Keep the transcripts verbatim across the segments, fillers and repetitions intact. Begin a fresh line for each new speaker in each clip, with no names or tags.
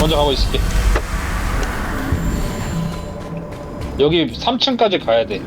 먼저 가고 있을게. 여기 삼 층까지 가야 돼.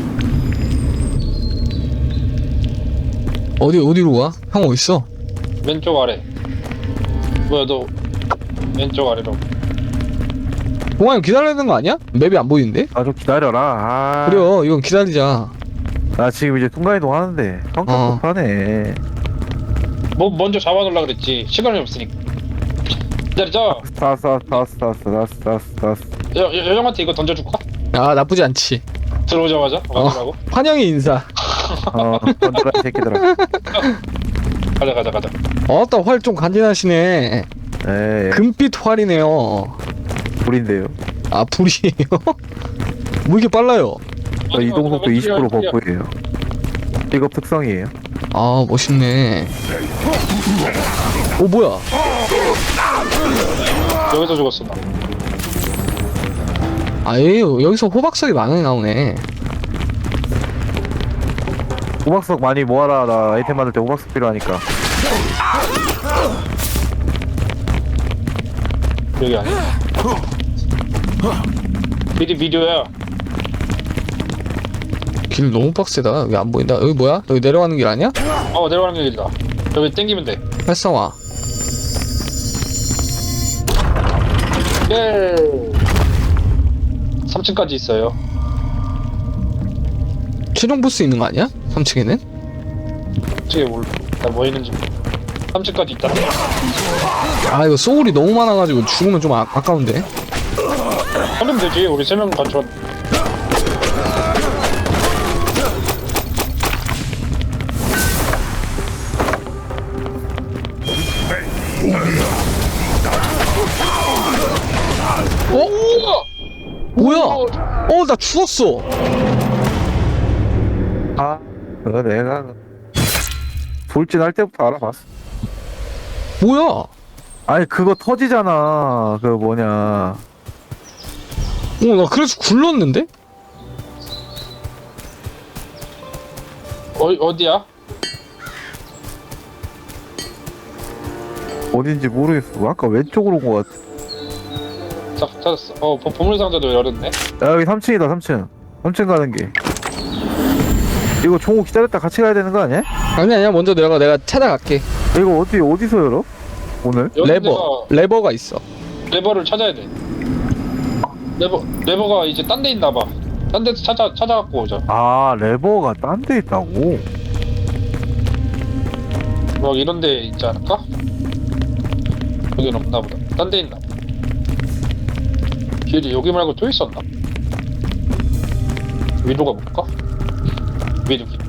어디 어디로 가? 형 어딨어?
왼쪽 아래. 뭐야 너 왼쪽 아래로.
동아 형 기다려야 되는 거 아니야? 맵이 안 보이는데?
아 좀 기다려라. 아,
그래요 이건 기다리자.
나 지금 이제 순간이동 하는데 성격
어.
급하네.
뭐 먼저 잡아놓으려 그랬지. 시간이 없으니까. 기다리자.
스타스 스타스 스타스 스타스 스타스 스타스.
여, 여, 여정한테 이거 던져줄까?
아 나쁘지 않지.
들어오자마자 맞으라고.
어, 환영의 인사.
어 던져라 이 새끼들아.
가자 가자 가자.
어따 활 좀 간지나시네.
에
금빛 활이네요.
불인데요.
아 불이에요? 뭐 이렇게 빨라요?
저 이동 속도 이십 퍼센트 버프예요. 직업 특성이에요.
아 멋있네. 오 뭐야?
여기서 죽었어 나.
아예 여기서 호박석이 많이 나오네.
호박석 많이 모아라. 나 아이템 만들 때 호박석 필요하니까.
여기 아니야. 미리 미디어야.
길 너무 빡세다. 여기 안 보인다. 여기 뭐야? 여기 내려가는 길 아니야?
어 내려가는 길이다. 여기 땡기면 돼.
활성화.
예. 삼 층까지 있어요.
최종 보스 있는 거 아니야? 삼 층에는?
저게 뭘? 나뭐 있는지. 삼 층까지 있다.
아 이거 소울이 너무 많아가지고 죽으면 좀 아, 아까운데.
하면 되지. 우리 세 명 같이 왔.
어? 뭐야? 어 나 죽었어.
아 그거 내가 돌진할 때부터 알아봤어.
뭐야?
아니 그거 터지잖아. 그 뭐냐.
어 나 그래서 굴렀는데?
어 어디야?
어딘지 모르겠어. 아까 왼쪽으로 온 것 같아.
자, 찾았어. 어 보, 보물 상자도 열었네.
야 여기 삼 층이다. 삼 층. 삼 층 가는 게. 이거 종호 기다렸다 같이 가야 되는 거 아니야?
아니 아니야 먼저 내려가. 내가 찾아갈게.
이거 어디 어디서 열어? 오늘?
여기
레버 레버가 있어.
내가 레버를 찾아야 돼. 레버 레버가 이제 딴 데 있나 봐. 딴 데서 찾아 찾아갖고 오자.
아 레버가 딴 데 있다고?
막 이런 데 있지 않을까? 여긴 없나 보다. 딴 데 있나 봐. 길이 여기 말고 또 있었나? 위로 가볼까? 위로 길.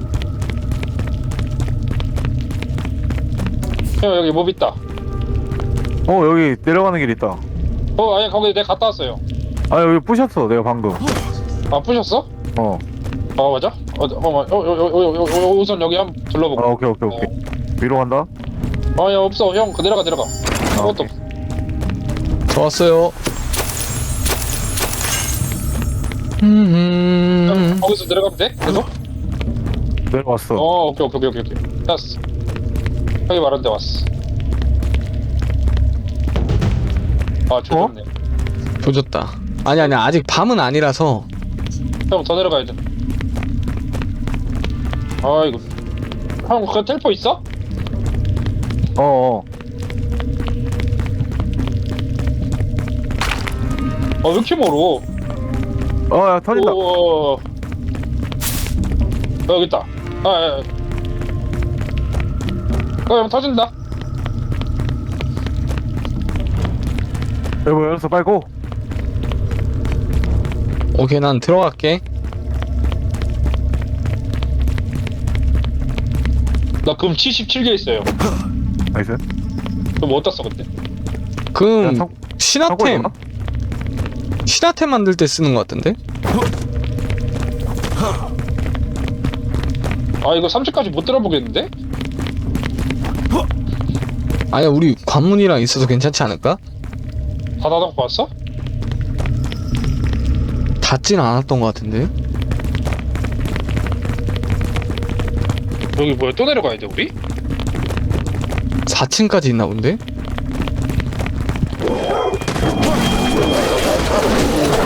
형 여기 몹 있다.
어 여기 내려가는 길 있다.
어 아니 거기 내가 갔다 왔어요.
아 여기 부셨어 내가 방금.
아 부셨어?
어.
아 맞아? 어, 어, 어, 어, 어, 어, 어, 어, 우선 여기 한번
아
둘러보고.
오케이 오케이 오케이. 위로 간다.
아야 없어 형 그 내려가 내려가. 아무것도 없어.
좋았어요.
형,
음.
거기서 내려가면 돼? 계속?
내려왔어.
어 오케이 오케이 오케이 오케이 됐어. 형이 말한 데 왔어. 아 조졌네.
조졌다. 아니 아니 아직 밤은 아니라서.
형 더 내려가야 돼. 아 이거 형 그 텔포 있어?
어어.
아 왜 이렇게 멀어?
어야 터진다.
오, 어, 여기 있다. 아, 아, 아. 어, 형 터진다.
여보 열었어 빨리 고.
오케이 난 들어갈게.
나 금 칠십칠 개 있어요.
나이스.
그럼 뭐 어디다 써 그때?
그럼
야, 성-
신화템
성공했나?
신화템 만들 때 쓰는 것 같은데?
아 이거 삼 층까지 못 들어보겠는데?
아니야 우리 관문이랑 있어서 괜찮지 않을까?
다 닫아놓고 왔어?
닿진 않았던 것 같은데?
여기 뭐야 또 내려가야 돼 우리?
사 층까지 있나 본데?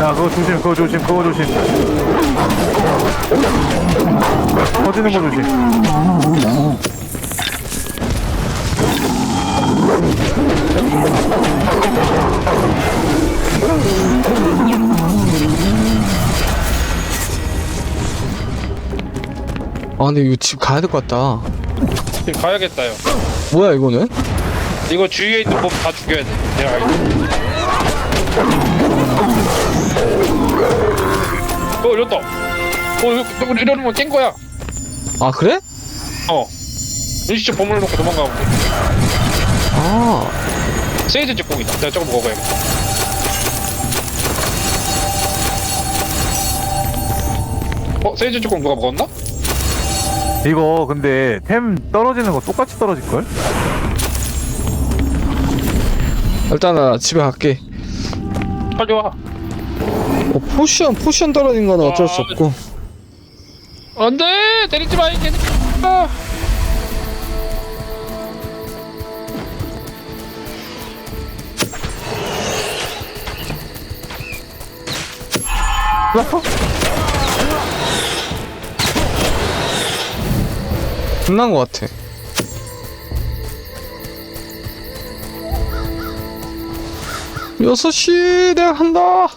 야 그거 조심 그거 조심 그거 조심 터지는 거 조심.
아 근데 이거 집 가야 될 것 같다.
지금 가야겠다요.
뭐야 이거는?
이거 주위에 있는 몹 다 죽여야 돼. 내가 알고. 어 이랬다. 어 이거 이러면 깬 거야.
아 그래?
어. 일시적 보물을 놓고 도망가면 돼.
아
세이드 직공이다. 내가 저거 먹어야겠다. 어 세이드 직공 누가 먹었나?
이거 근데 템 떨어지는 거 똑같이 떨어질걸?
일단 나 집에 갈게.
빨리 와.
어, 포션 포션 떨어진 거는 어쩔 수
아,
없고.
안돼 때리지 마 이게. 아.
끝난 것 같아. 여섯 시 내가 한다.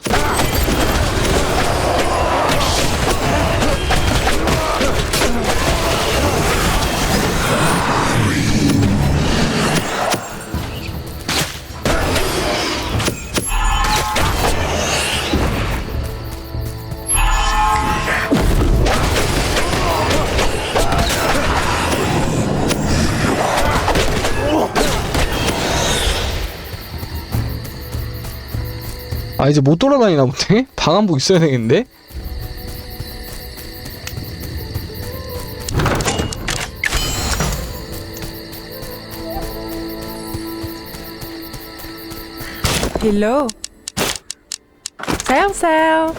아 이제 못 돌아다니나 보네? 방 안복 있어야 되겠는데?
Hello. Sao sao?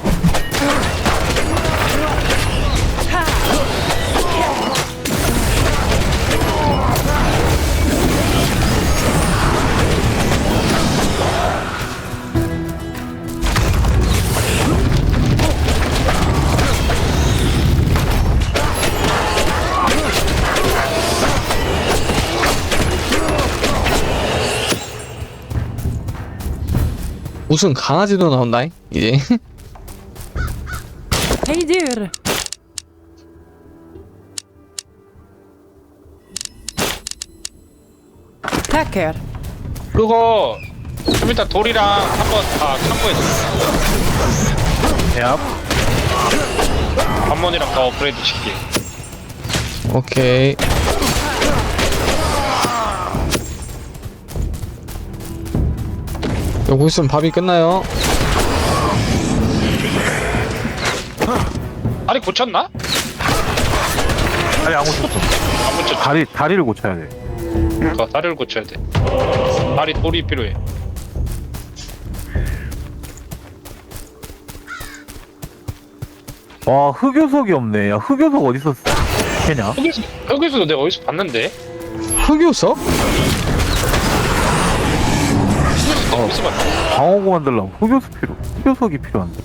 무슨 강아지도 나온다 이제.
Hey dude. Tacker.
그거 좀 이따 돌이랑 한번 다 참고해 줘.
야
관문이랑 다 업그레이드 시킬게.
오케이. 여기 있으면 밥이 끝나요.
다리 고쳤나?
다리 안 고쳤어.
안 고쳤지.
다리 다리를 고쳐야 돼.
그러니까 다리를 고쳐야 돼. 다리 돌이 필요해.
와 흑요석이 없네. 야 흑요석 어디서 캐냐?
여기서 여기서도 내가 어디서 봤는데?
흑요석?
내가 어디서 봤어?
방어구 만들려면 흑요석 필요. 흑요석이 필요한데.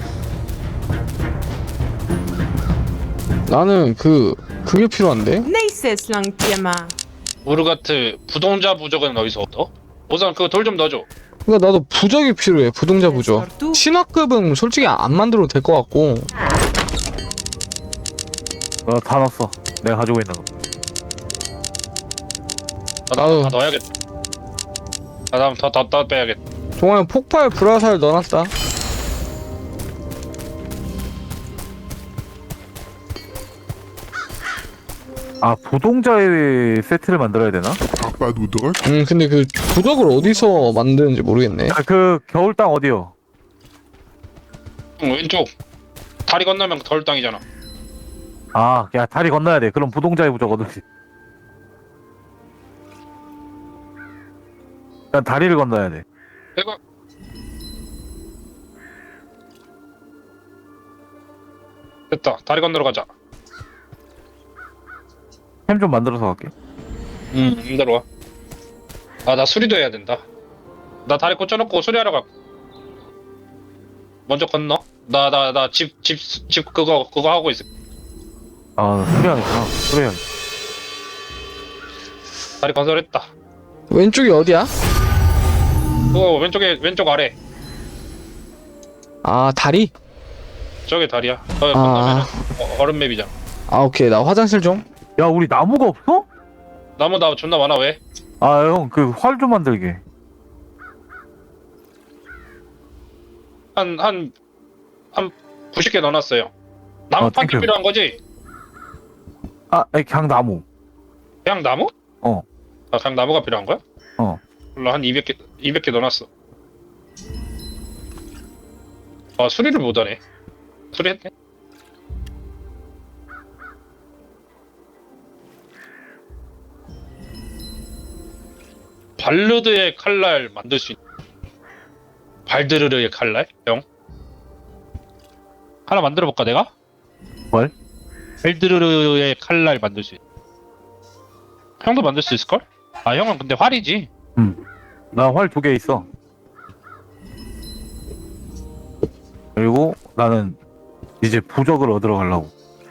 나는 그 그게 필요한데?
Nej ses långt Gemma.
우르가트 부동자 부적은 어디서 얻어? 우선 그거 돌 좀 넣어줘.
그러니까 나도 부적이 필요해. 부동자 부적. 신화급은 솔직히 안 만들어도 될 것 같고.
어, 다 넣었어. 내가 가지고 있는 거.
나,
아유.
다 넣어야겠다. 나 다음 더더 더 빼야겠다.
동아형 폭발 불화살 넣어놨다.
아 부동자의 세트를 만들어야 되나?
Pas d'oudre.
음 근데 그 부적을 어디서 만드는지 모르겠네.
아 그 겨울 땅 어디요?
응, 왼쪽 다리 건너면 덜 땅이잖아.
아, 야 다리 건너야 돼. 그럼 부동자의 부적 얻을지. 난 다리를 건너야 돼.
내가 됐다. 다리 건너러 가자.
햄 좀 만들어서 갈게.
응, 힘들어 와. 아, 나 수리도 해야 된다. 나 다리 꽂혀놓고 수리하러 가. 먼저 건너. 나 나 나 집 집 집 그거 그거 하고 있어.
아 수리하겠구나 수리하
다리 건설했다.
왼쪽이 어디야?
그거 왼쪽에 왼쪽 아래.
아 다리?
저게 다리야. 어,
아.
건너면은 어, 얼음 맵이잖아.
아 오케이 나 화장실 좀.
야 우리 나무가 없어?
나무 나 존나 많아 왜?
아 형 그 활 좀 만들게.
한 한 한 구십 개 넣어놨어요. 나무
어,
판기
땡큐.
필요한 거지?
아 아니, 그냥 나무.
그냥 나무?
어.
아 그냥 나무가 필요한 거야?
어.
몰라 한 이백 개 이백 개 넣어놨어. 아 수리를 못하네. 수리했네. 발르드의 칼날 만들 수 있. 발드르르의 칼날? 형? 하나 만들어 볼까 내가?
뭘?
발드르르의 칼날 만들 수 있. 형도 만들 수 있을걸? 아 형은 근데 활이지.
나 활 두 개 있어. 그리고 나는 이제 부적을 얻으러 가려고.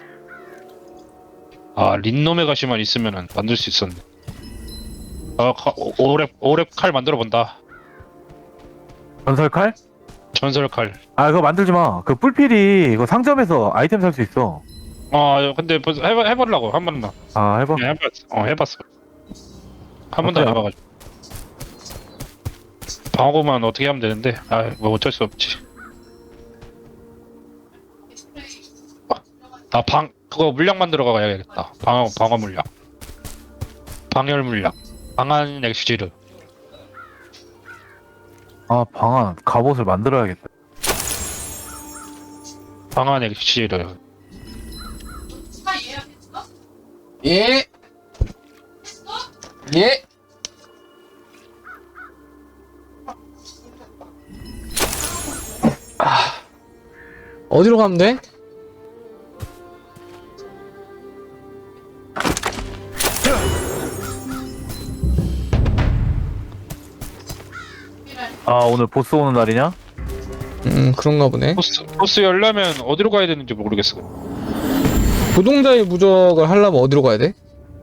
아 린놈의 가시만 있으면은 만들 수 있었네. 아 가, 오- 오랩 오랩 칼 만들어 본다.
전설 칼?
전설 칼.
아 그거 만들지 마. 그 뿔필이 이거 상점에서 아이템 살 수 있어.
아 근데 벌써 해봐 해보려고 한 번만.
아 해봐.
그냥 해봤어. 어 해봤어. 한 번도 안
어때요?
해봐가지고. 방어구만 어떻게 하면 되는데. 아 뭐 어쩔 수 없지. 아 방 그거 물약 만들어 가야겠다. 방어 방어 물약. 방열 물약. 방한 엑스지르.
아 방안 갑옷을 만들어야겠다.
방한 엑스지르.
예. 예. 아 어디로 가면 돼?
아 오늘 보스 오는 날이냐?
음 그런가 보네.
보스 보스 열려면 어디로 가야 되는지 모르겠어.
부동자의 무적을 하려면 어디로 가야 돼?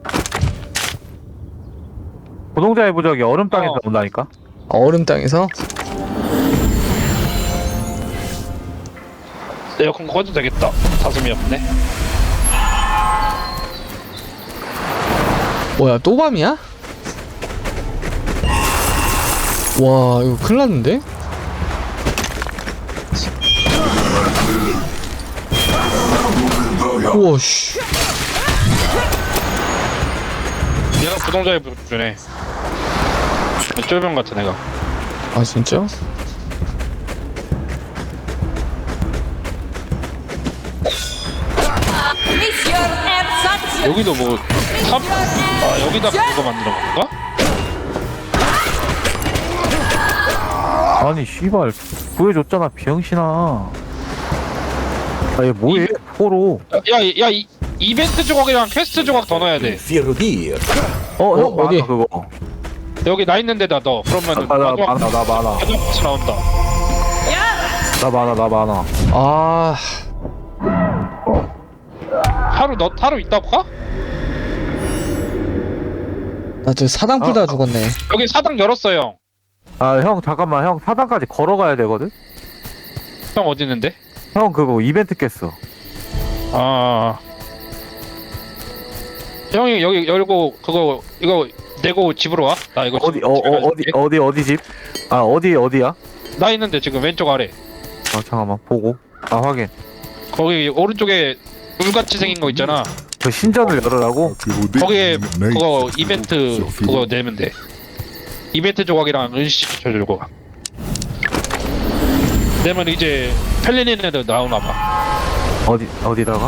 고동자의 부적이 얼음 땅에서
어.
온다니까.
아, 얼음 땅에서?
에어컨 꺼도 되겠다. 사슴이 없네.
뭐야 또 밤이야? 와 이거 큰일 났는데? 우와 씨
얘가 부동자의 부주네. 쫄병 같은 애가.
아 진짜?
여기도 뭐 탑? 아 여기다 그거 만들어 볼까?
아니 씨발 구해줬잖아 비영신아. 아얘 뭐해? 포로.
야야 이 이벤트 조각이랑 퀘스트 조각 더 넣어야 돼.
어, 형
어디?
많아 그거.
여기 나 있는 데다 넣어. 그러면은
아, 나
마지막
많아 나 많아
마지막 퀘스트 나온다.
나 많아 나 많아.
아
하루 너 하루 있다 볼까?
나 저 사당 풀다
아,
죽었네.
여기 사당 열었어 형.
아 형 잠깐만 형 사당까지 걸어가야 되거든.
형 어디 있는데?
형 그거 이벤트 깼어.
아 형이 여기 열고 그거 이거 내고 집으로 와. 나 이거
어디
집-
어,
집에
어 어디
갈게.
어디 어디 집? 아 어디 어디야?
나 있는데 지금 왼쪽 아래.
아 잠깐만 보고. 아 확인.
거기 오른쪽에 물같이 생긴 거 있잖아.
그 신전을 열으라고?
거기에 그거 이벤트 그거 내면 돼. 이벤트 조각이랑 은시 쳐주고. 내면 이제 펠리닌 애들 나오나 봐.
어디 어디다가?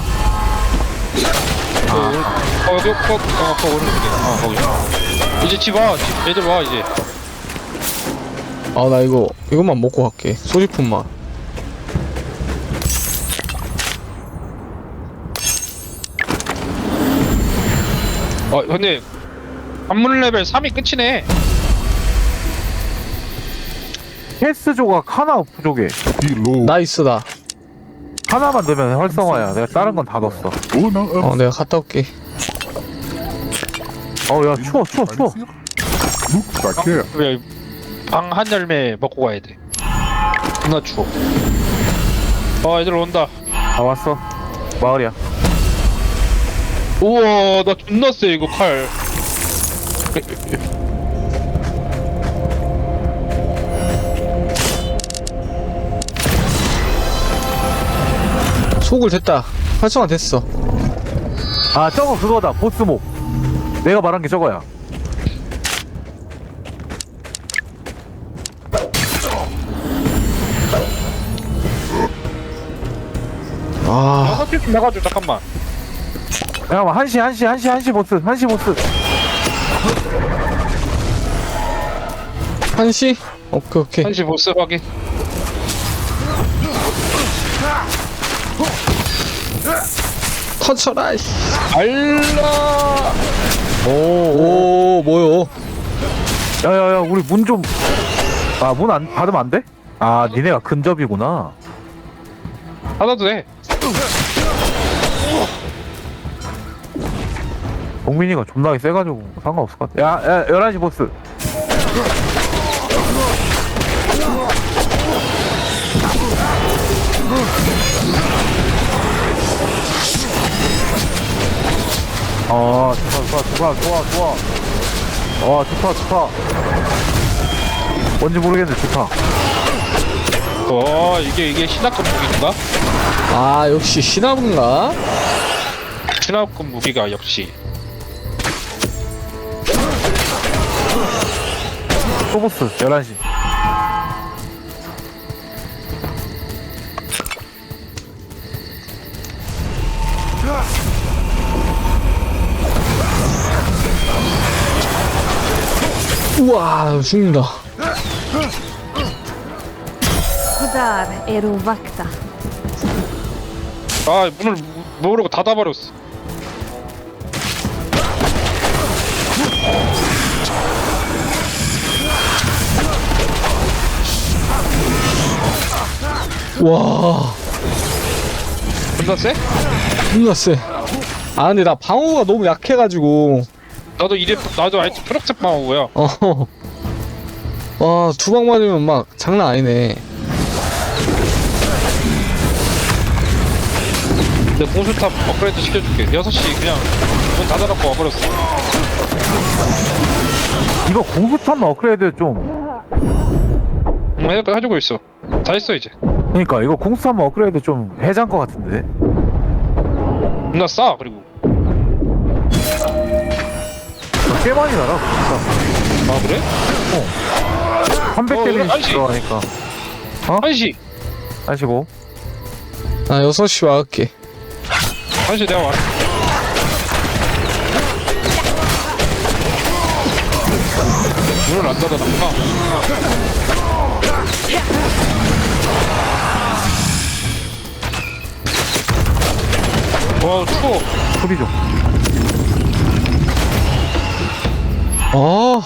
어, 여기 거, 어, 거 오른쪽에. 어, 거기. 이제 집 와. 집 애들 와 이제.
아 나 이거 이것만 먹고 갈게. 소지품만.
어, 근데 관문 레벨 삼이 끝이네.
캐스 조각 하나 부족해.
Reload.
나 있어 나.
하나만 넣으면 활성화야. 내가 다른 건 다 넣었어.
Oh, no, um,
어 내가 갔다 올게.
어야 추워 추워 추워.
Look back here.
왜 방 한 열매 먹고 가야 돼. 존나 추워. 어 애들 온다.
다 왔어. 마을이야.
우와 나 존나 세 이거 칼.
속을 됐다. 활성화 됐어.
아 저거 그거다. 보스목. 내가 말한 게 저거야.
아
여섯 개좀 나가줘 잠깐만.
잠깐만 한시 한시 한시 한시 보스 한시 보스.
한시? 오케이 오케이.
한시 보스 확인.
터쳐라. 이씨.
알라.
오, 오 뭐요?
야야야 우리 문 좀. 아 문 안 받으면 안 돼? 아 니네가 근접이구나.
하나도 돼.
동민이가 존나게 세가지고 상관없을 것 같아. 야, 야 열한 시 보스. 아 좋아 좋아 좋아 좋아 좋아. 아 좋다 좋다. 뭔지 모르겠는데 좋다.
어 이게 이게 신화급 무기인가?
아 역시 신화분가?
신화급 무기가 역시.
또 보스 열한 시.
우와 죽는다.
Där är rovvakta.
아 문을 모르고 닫아버렸어.
와
존나 세?
존나 세. 아 근데 나 방어가 너무 약해가지고.
나도 이래 나도 아이트 프락색 방어고요.
어. 와, 두 방 맞으면 막 장난 아니네.
내 공수탑 업그레이드 시켜줄게. 여섯 시 그냥 문 닫아놓고 와버렸어.
이거 공수탄만 업그레이드 좀.
응, 해, 해주고 있어. 다 했어 이제.
그러니까 이거 공수탄만 업그레이드 좀 해장 것 같은데.
존나 싸 그리고.
꽤 많이 나라 공수탄.
아 그래?
삼백
어,
데미지
한시.
들어가니까.
한시.
하시고.
나 여섯 시 와갈게.
한시 내가 왔어. 문을 안 닫아놨구나. 와 추워.
소리 좀.
아,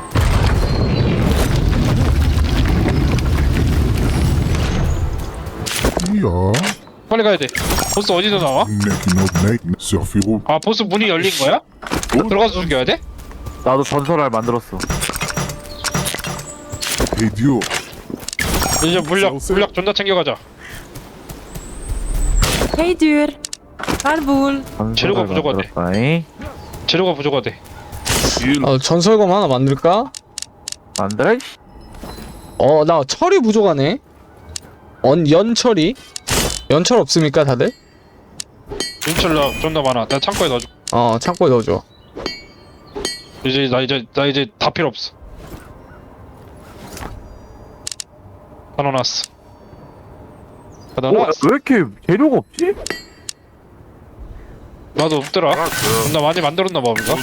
Yeah.
빨리 가야 돼. 보스 어디서 나와?
Neck no neck. Surfiro.
아 보스 문이 열린 거야? 들어가서 죽여야 돼?
나도 전설알 만들었어.
Hey, Dio.
이제 물약 물약 존나 챙겨가자.
Hej dyr. Farväl.
재료가
전설알
부족하대.
만들었다잉.
재료가 부족하대.
아, 전설검 하나 만들까?
만들어.
어, 나 철이 부족하네. 언, 연철이? 연철 없습니까, 다들?
윤철라 존나 많아. 내가 창고에 넣어줘.
어, 창고에 넣어줘.
이제 나 이제 나 이제 다 필요 없어. 다 넣어놨어. 다
어,
넣어놨어.
왜 이렇게 재료가 없지?
나도 없더라. 존나 많이 만들었나 봐 우리가.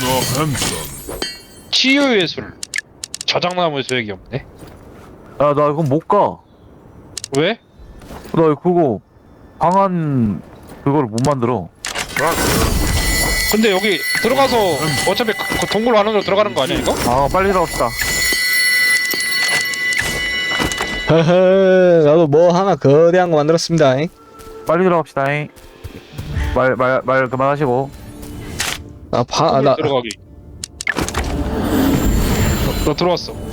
치유의 술. 자작나무 수액이 없네.
야, 나 이건 못 가.
왜?
나 그거 방안 그거를 못 만들어.
근데 여기 들어가서 어차피 그, 그 동굴 안으로 들어가는 거 아니야 이거?
아, 빨리 들어갑시다.
허허, 나도 뭐 하나 거대한 거 만들었습니다.
빨리 들어갑시다잉. 말 말 말 그만하시고.
나 바, 아,
나
나,
들어가기. 너, 너 들어왔어.